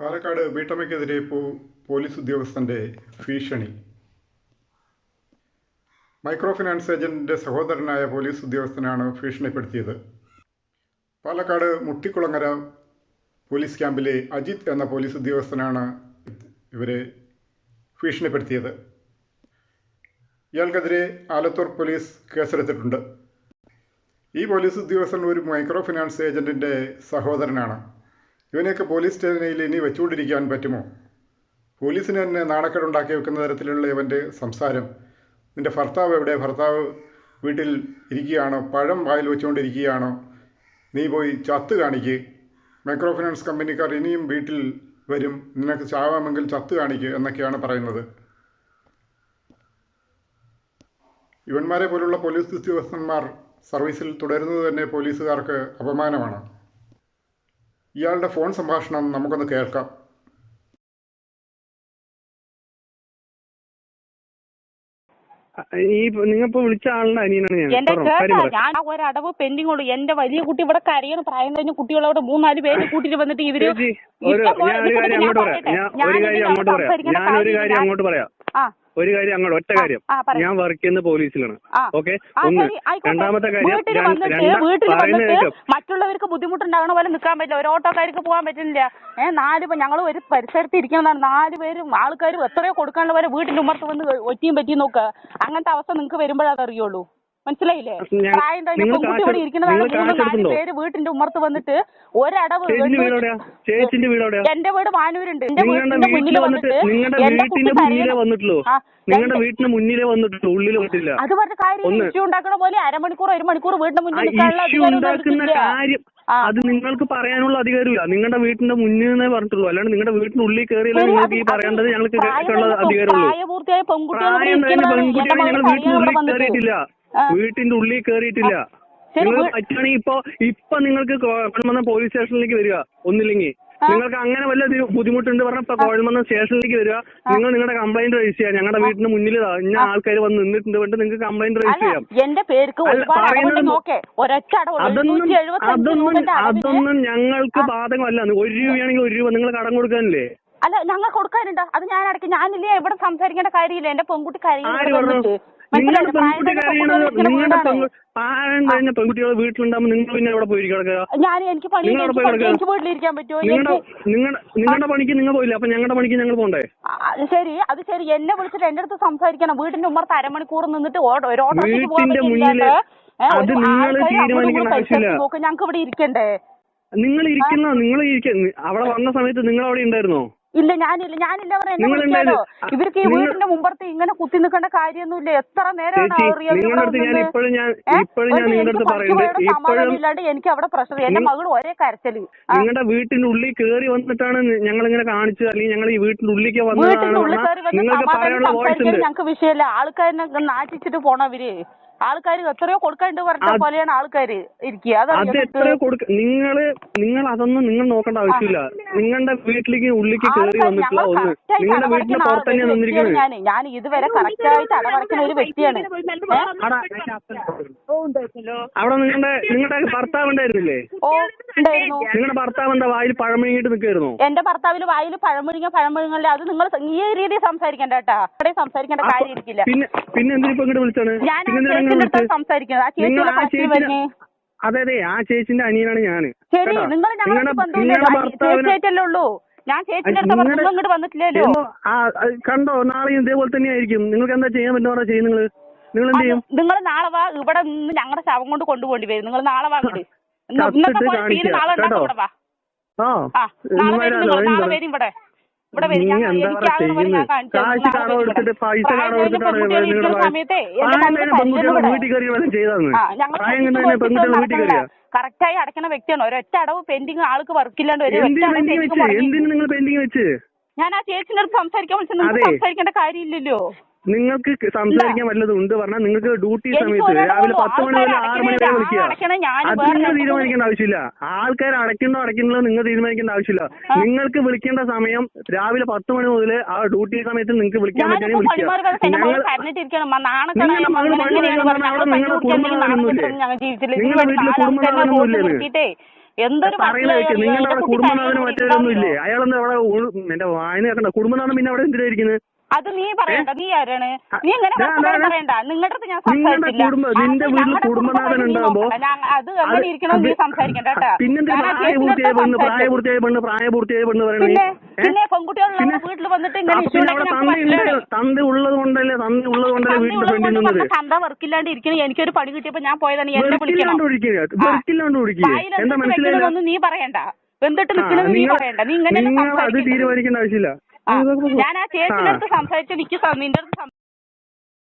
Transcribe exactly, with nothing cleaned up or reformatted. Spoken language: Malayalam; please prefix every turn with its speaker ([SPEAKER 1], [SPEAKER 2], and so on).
[SPEAKER 1] പാലക്കാട് വീട്ടമ്മയ്ക്കെതിരെ പോലീസ് ഉദ്യോഗസ്ഥന്റെ ഭീഷണി. മൈക്രോ ഫിനാൻസ് ഏജന്റിന്റെ സഹോദരനായ പോലീസ് ഉദ്യോഗസ്ഥനാണ് ഭീഷണിപ്പെടുത്തിയത്. പാലക്കാട് മുട്ടിക്കുളങ്ങര പോലീസ് ക്യാമ്പിലെ അജിത് എന്ന പോലീസ് ഉദ്യോഗസ്ഥനാണ് ഇവരെ ഭീഷണിപ്പെടുത്തിയത്. ഇയാൾക്കെതിരെ ആലത്തൂർ പോലീസ് കേസെടുത്തിട്ടുണ്ട്. ഈ പോലീസ് ഉദ്യോഗസ്ഥൻ ഒരു മൈക്രോ ഫിനാൻസ് ഏജന്റിന്റെ സഹോദരനാണ്. ഇവനെയൊക്കെ പോലീസ് സ്റ്റേഷനിൽ ഇനി വെച്ചുകൊണ്ടിരിക്കാൻ പറ്റുമോ? പോലീസിന് തന്നെ നാണക്കേടുണ്ടാക്കി വെക്കുന്ന തരത്തിലുള്ള ഇവൻ്റെ സംസാരം. നിൻ്റെ ഭർത്താവ് എവിടെ? ഭർത്താവ് വീട്ടിൽ ഇരിക്കുകയാണോ? പഴം വായിൽ വെച്ചുകൊണ്ടിരിക്കുകയാണോ? നീ പോയി ചത്ത് കാണിക്ക്. മൈക്രോ ഫിനാൻസ് കമ്പനിക്കാർ ഇനിയും വീട്ടിൽ വരും, നിനക്ക് ചാവാമെങ്കിൽ ചത്ത് കാണിക്ക് എന്നൊക്കെയാണ് പറയുന്നത്. ഇവന്മാരെ പോലുള്ള പോലീസ് ഉദ്യോഗസ്ഥന്മാർ സർവീസിൽ തുടരുന്നത് തന്നെ പോലീസുകാർക്ക് അപമാനമാണ്. ഇയാളുടെ ഫോൺ സംഭാഷണം നമുക്കൊന്ന് കേൾക്കാം.
[SPEAKER 2] ഈ നിങ്ങളിപ്പോ വിളിച്ച ആളുടെ അനിയനാണ് ഞാൻ.
[SPEAKER 3] എന്റെ കേട്ടാ, ഞാൻ ഒരടവ് പെൻഡിങ് ഉള്ളൂ. എന്റെ വലിയ കുട്ടി ഇവിടെ കരയുന്ന പ്രായം കഴിഞ്ഞ കുട്ടികളോട് മൂന്നാല് പേര് കൂട്ടിട്ട് വന്നിട്ട് ഇവര്
[SPEAKER 2] ഒരു ഞാൻ ഒരു കാര്യം അങ്ങോട്ട് പറയാം ഞാൻ ഒരു കാര്യം അങ്ങോട്ട് പറയാം ഞാൻ ഒരു കാര്യം അങ്ങോട്ട് പറയാം ഒരു കാര്യം അങ്ങോട്ട് ഒറ്റ കാര്യം. ഞാൻ വർക്ക് ചെയ്യുന്ന പോലീസിലാണ്. ഓക്കെ, ഒന്ന്. രണ്ടാമത്തെ കാര്യം,
[SPEAKER 3] മറ്റുള്ളവർക്ക് ബുദ്ധിമുട്ടുണ്ടാകണ പോലെ നിൽക്കാൻ പറ്റില്ല. ഒരു ഓട്ടോക്കാർക്ക് പോകാൻ പറ്റുന്നില്ല. ഏഹ് നാല് ഞങ്ങൾ ഒരു പരിസരത്ത് ഇരിക്കുന്നതാണ്. നാല് പേരും ആൾക്കാരും എത്രയോ കൊടുക്കാനുള്ള പോലെ വീട്ടിന്റെ ഉമ്മർത്ത് വന്ന് ഒറ്റിയും പറ്റിയും നോക്കുക. അങ്ങനത്തെ അവസ്ഥ നിങ്ങൾക്ക് വരുമ്പോഴത് അറിയുള്ളൂ. മനസ്സിലായില്ലേ? പ്രായം കഴിഞ്ഞ പെൺകുട്ടി ഇവിടെ ഇരിക്കുന്നതാണ്. മൂന്ന് നാല് പേര് വീട്ടിന്റെ ഉമ്മർത്ത് വന്നിട്ട് ഒരടവ്. എന്റെ വീട് മാനൂരുണ്ട്. എന്റെ വീടിന്റെ മുന്നിൽ വന്നിട്ട്
[SPEAKER 2] നിങ്ങളുടെ വീട്ടിന് മുന്നിലേ വന്നിട്ടുള്ളൂ, ഉള്ളിൽ വന്നിട്ടില്ല.
[SPEAKER 3] അത് പറഞ്ഞ കാര്യം ഇഷ്യൂ ഉണ്ടാക്കണ പോലെ അരമണിക്കൂർ ഒരു മണിക്കൂർ വീടിന്റെ മുന്നിൽ
[SPEAKER 2] ഉണ്ടാക്കുന്ന കാര്യം അത് നിങ്ങൾക്ക് പറയാനുള്ള അധികാരമില്ല. നിങ്ങളുടെ വീട്ടിന്റെ മുന്നിൽ നിന്നേ പറഞ്ഞിട്ടുള്ളൂ. അല്ലാണ്ട് നിങ്ങളുടെ വീട്ടിന്റെ ഉള്ളിൽ കയറിയില്ല നിങ്ങൾക്ക് ഈ പറയേണ്ടത് ഞങ്ങൾക്ക് കേൾക്കാനുള്ള അധികാരമുള്ളൂ.
[SPEAKER 3] പ്രായപൂർത്തിയായ
[SPEAKER 2] പെൺകുട്ടികളെ ഞങ്ങൾ വീട്ടിന്റെ ഉള്ളിൽ കയറിയിട്ടില്ല വീട്ടിന്റെ ഉള്ളിൽ കയറിയിട്ടില്ല. നിങ്ങൾ പറ്റുകയാണെങ്കിൽ ഇപ്പൊ ഇപ്പൊ നിങ്ങൾക്ക് കോഴമന്നം പോലീസ് സ്റ്റേഷനിലേക്ക് വരിക. ഒന്നില്ലെങ്കിൽ നിങ്ങൾക്ക് അങ്ങനെ വല്ല ബുദ്ധിമുട്ടുണ്ട് പറഞ്ഞ ഇപ്പൊ കോഴമന്നം സ്റ്റേഷനിലേക്ക് വരിക. നിങ്ങൾ നിങ്ങളുടെ കംപ്ലൈന്റ് രജിസ്റ്റർ ചെയ്യാം. ഞങ്ങളുടെ വീടിന് മുന്നിൽ ഇന്ന ആൾക്കാർ വന്ന് നിന്നിട്ടുണ്ട് വേണ്ട നിങ്ങൾക്ക് കംപ്ലൈന്റ് രജിസ്റ്റർ ചെയ്യാം. അതൊന്നും അതൊന്നും അതൊന്നും ഞങ്ങൾക്ക് ബാധകമല്ല. ഒരു രൂപയാണെങ്കിൽ ഒരു രൂപ നിങ്ങൾ കടം കൊടുക്കാനില്ലേ?
[SPEAKER 3] അല്ല, ഞങ്ങൾ കൊടുക്കാനുണ്ട്. അത് ഞാൻ അടയ്ക്കും. ഞാനില്ലേ ഇവിടെ സംസാരിക്കേണ്ട കാര്യമില്ല. എന്റെ പെൺകുട്ടി കഴിയുന്നത്
[SPEAKER 2] നിങ്ങളുടെ പെൺകുട്ടി കരയണത് നിങ്ങളുടെ പ്രായം കഴിഞ്ഞ പെൺകുട്ടികളെ വീട്ടിലുണ്ടാകുമ്പോ നിങ്ങൾ പിന്നെ എവിടെ പോയി കിടക്കുക?
[SPEAKER 3] ഞാൻ എനിക്ക് എനിക്ക് വീട്ടിലിരിക്കാൻ പറ്റുമോ?
[SPEAKER 2] നിങ്ങളുടെ നിങ്ങളുടെ നിങ്ങളുടെ പണിക്ക് നിങ്ങൾ പോയില്ല, അപ്പൊ ഞങ്ങളുടെ പണിക്ക് ഞങ്ങൾ പോണ്ടേ?
[SPEAKER 3] ശരി, അത് ശരി. എന്നെ വിളിച്ചിട്ട് എന്റെ അടുത്ത് സംസാരിക്കണം. വീടിന്റെ ഉമ്മർത്ത് അരമണിക്കൂർ നിന്നിട്ട്
[SPEAKER 2] വീട്ടിന്റെ മുന്നില് അത് നിങ്ങൾ തീരുമാനിക്കേണ്ട ആവശ്യമില്ല.
[SPEAKER 3] ഞങ്ങൾക്ക് ഇവിടെ ഇരിക്കണ്ടേ?
[SPEAKER 2] നിങ്ങൾ ഇരിക്കുന്ന നിങ്ങൾ ഇരിക്കുന്ന അവിടെ വന്ന സമയത്ത് നിങ്ങൾ അവിടെ ഉണ്ടായിരുന്നോ?
[SPEAKER 3] ഇല്ല, ഞാനില്ല ഞാനില്ല പറഞ്ഞ എന്നെ വിളിക്കാലോ. ഇവർക്ക് ഈ വീടിന്റെ മുമ്പർത്ത് ഇങ്ങനെ കുത്തി നിൽക്കേണ്ട കാര്യമൊന്നുമില്ല. എത്ര നേരമാണ് സമാധാനമില്ലാണ്ട് എനിക്ക് അവിടെ പ്രഷർ. എന്റെ മകൾ ഒരേ കരച്ചല്.
[SPEAKER 2] നിങ്ങളുടെ വീട്ടിന്റെ ഉള്ളിൽ കയറി വന്നിട്ടാണ് ഞങ്ങൾ ഇങ്ങനെ കാണിച്ചത്, അല്ലെങ്കിൽ ഞങ്ങൾ ഈ വീട്ടിന്റെ ഉള്ളിലേക്ക്
[SPEAKER 3] വീട്ടിന്റെ ഉള്ളിൽ കയറി വന്ന് സമാധാനം സംസാരിക്കാൻ ഞങ്ങൾക്ക് വിഷയമല്ല. ആൾക്കാരിനെ നാട്ടിച്ചിട്ട് പോണവര് ആൾക്കാർ എത്രയോ കൊടുക്കാണ്ട് പറഞ്ഞ പോലെയാണ് ആൾക്കാര് ഇരിക്കുക.
[SPEAKER 2] അത് എത്രയോ കൊടുക്ക നിങ്ങള് നിങ്ങൾ അതൊന്നും നിങ്ങൾ നോക്കേണ്ട ആവശ്യമില്ല. നിങ്ങളുടെ വീട്ടിലേക്ക് ഉള്ളിലേക്ക് കയറി വന്നിട്ടില്ല. ഒന്ന് നിങ്ങളുടെ വീട്ടിന് പുറത്ത് തന്നെയാണ് നിന്നിരിക്കുന്നത്.
[SPEAKER 3] ഞാൻ ഞാൻ ഇതുവരെ കറക്റ്റ് ആയിട്ട് അടവടക്കുന്ന ഒരു വ്യക്തിയാണ്.
[SPEAKER 2] അവിടെ നിങ്ങളുടെ നിങ്ങളുടെ ഭർത്താവ് ഉണ്ടായിരുന്നില്ലേ?
[SPEAKER 3] ഓ, ഉണ്ടായിരുന്നു.
[SPEAKER 2] നിങ്ങളുടെ ഭർത്താവ് എന്താ വായിൽ പഴമുഴുങ്ങിട്ട് നിൽക്കായിരുന്നു?
[SPEAKER 3] എന്റെ ഭർത്താവിന് വായിൽ പഴമുഴുങ്ങ പഴമുഴുങ്ങല്ലേ? അത് നിങ്ങൾ ഈ രീതിയിൽ സംസാരിക്കേണ്ട കേട്ടാ. അവിടെ സംസാരിക്കേണ്ട കാര്യം ഇരിക്കില്ല.
[SPEAKER 2] പിന്നെ പിന്നെ എന്തിനിപ്പോ ഇങ്ങോട്ട് വിളിച്ചാണ്? അതെ അതെ, ആ ചേച്ചിന്റെ അനിയനാണ് ഞാന്.
[SPEAKER 3] ശരി, നിങ്ങൾ ചേച്ചിയല്ലേ ഉള്ളൂ. ഞാൻ ചേച്ചിന്റെ അടുത്ത് ഇങ്ങോട്ട് വന്നിട്ടില്ലല്ലോ.
[SPEAKER 2] കണ്ടോ, നാളെ ഇതേപോലെ തന്നെ ആയിരിക്കും. നിങ്ങൾക്ക് എന്താ ചെയ്യാൻ പറ്റുന്ന ചെയ്യും നിങ്ങൾ നിങ്ങൾ എന്ത് ചെയ്യും?
[SPEAKER 3] നിങ്ങൾ നാളെ വാ. ഇവിടെ നിന്ന് ഞങ്ങളുടെ ശവം കൊണ്ട് കൊണ്ടുപോകേണ്ടി വരും. നിങ്ങൾ നാളെ വാ. ഇങ്ങോട്ട് നാളെ ഉണ്ടാക്കും. ഇവിടെ വാ. ആ നാളെ വരും. നിങ്ങൾ നാളെ വരും ഇവിടെ ഇവിടെ വരും. കറക്റ്റായി അടയ്ക്കുന്ന വ്യക്തിയാണ്. ഒരൊറ്റ അടവ് പെൻഡിങ് ആൾക്ക് വർക്കില്ലാണ്ട് വരും. ഞാൻ ആ ചേച്ചിന്റെ അടുത്ത് സംസാരിക്കാൻ വിളിച്ചു. നിങ്ങൾക്ക് സംസാരിക്കേണ്ട കാര്യമില്ലല്ലോ.
[SPEAKER 2] നിങ്ങൾക്ക് സംസാരിക്കാൻ വല്ലതും ഉണ്ട് പറഞ്ഞാൽ നിങ്ങൾക്ക് ഡ്യൂട്ടി സമയത്ത് രാവിലെ പത്ത് മണി മുതൽ ആറ് മണി വരെ വിളിക്കുക. അത് നിങ്ങൾ തീരുമാനിക്കേണ്ട ആവശ്യമില്ല. ആൾക്കാർ അടയ്ക്കണോ അടയ്ക്കണോ നിങ്ങൾ തീരുമാനിക്കേണ്ട ആവശ്യമില്ല. നിങ്ങൾക്ക് വിളിക്കേണ്ട സമയം രാവിലെ പത്ത് മണി മുതൽ ആ ഡ്യൂട്ടി സമയത്ത് നിങ്ങൾക്ക് വിളിക്കാൻ പറ്റുകയാണെങ്കിൽ വിളിക്കുക. നിങ്ങളുടെ മകൾ പണി പറയുന്നത് അവിടെ നിങ്ങളുടെ കുടുംബങ്ങളൊന്നുമില്ലേ? നിങ്ങളുടെ വീട്ടിൽ കുടുംബങ്ങളൊന്നുമില്ലേ?
[SPEAKER 3] എന്തൊരു
[SPEAKER 2] പറയുന്ന വെച്ച് നിങ്ങളുടെ അവിടെ കുടുംബനാഥന് മറ്റേതൊന്നും ഇല്ലേ? അയാളൊന്നും അവിടെ ഉൾ- എന്റെ വായന കേൾക്കണ്ട. കുടുംബനാഥൻ പിന്നെ അവിടെ എന്തിനാ ഇരിക്കുന്നത്?
[SPEAKER 3] അത് നീ പറയണ്ട. നീ ആരാണ്? നീ ഇങ്ങനെ വർത്തമാനം പറയണ്ട. നിങ്ങളുടെ അടുത്ത് ഞാൻ
[SPEAKER 2] നിങ്ങളുടെ
[SPEAKER 3] സംസാരിച്ചില്ല.
[SPEAKER 2] കുടുംബ നിന്റെ
[SPEAKER 3] അത്
[SPEAKER 2] വീട്ടിൽ
[SPEAKER 3] ഞങ്ങളുടെ
[SPEAKER 2] കുടുംബനാഥൻ
[SPEAKER 3] കുടുംബക്കാരെ നീ
[SPEAKER 2] ഉണ്ടാകുമ്പോ
[SPEAKER 3] നോക്കണ്ട. ഞാൻ- അത് എങ്ങനെ ഇരിക്കണം നീ സംസാരിക്കണ്ട കേട്ടാ.
[SPEAKER 2] പിന്നെന്താ
[SPEAKER 3] ഞാൻ ആ
[SPEAKER 2] പ്രായപൂർത്തിയായ
[SPEAKER 3] ചേച്ചിയുടെ
[SPEAKER 2] പെണ്ണ്
[SPEAKER 3] അടുത്ത്
[SPEAKER 2] പ്രായപൂർത്തിയായ പെണ്ണ് പ്രായപൂർത്തിയായ പെണ്ണ് പറയണേ?
[SPEAKER 3] പിന്നെ പിന്നെ പെൺകുട്ടികളുള്ള വീട്ടിൽ വന്നിട്ട് ഇങ്ങനെ
[SPEAKER 2] അപ്പൊ
[SPEAKER 3] ഇഷ്യൂ
[SPEAKER 2] പിന്നെ അവിടെ
[SPEAKER 3] ഉണ്ടെങ്കിൽ
[SPEAKER 2] തന്ത
[SPEAKER 3] ഞങ്ങൾക്ക്
[SPEAKER 2] ഉണ്ട്. തന്ത ഉള്ളത് കൊണ്ടല്ലേ തന്ത ഉള്ളത് കൊണ്ടല്ലേ വീടിന്റെ ഫ്രണ്ടിൽ നിന്നത്?
[SPEAKER 3] തന്ത വർക്കില്ലാണ്ട് ഇരിക്കണ എനിക്കൊരു പണി കിട്ടിയപ്പോ ഞാൻ പോയതാണ്. എന്നെ വിളിക്കണം.
[SPEAKER 2] വെറുക്കില്ലാണ്ട് ഒഴിക്കുക വെറുക്കില്ലാണ്ട് ഒഴിക്കുക. എന്താ മനസ്സിലായില്ല?
[SPEAKER 3] വെക്കണമെന്നൊന്നും നീ പറയണ്ട. വെന്തിട്ട് നിൽക്കണമെന്ന് നീ പറയണ്ട. നീ ഇങ്ങനെ
[SPEAKER 2] നിങ്ങൾ അത് തീരുമാനിക്കേണ്ട ആവശ്യമില്ല.
[SPEAKER 3] ഞാൻ ആ ചേച്ചിയുടെ അടുത്ത് സംസാരിച്ചു. എനിക്ക് നിന്റെ അടുത്ത്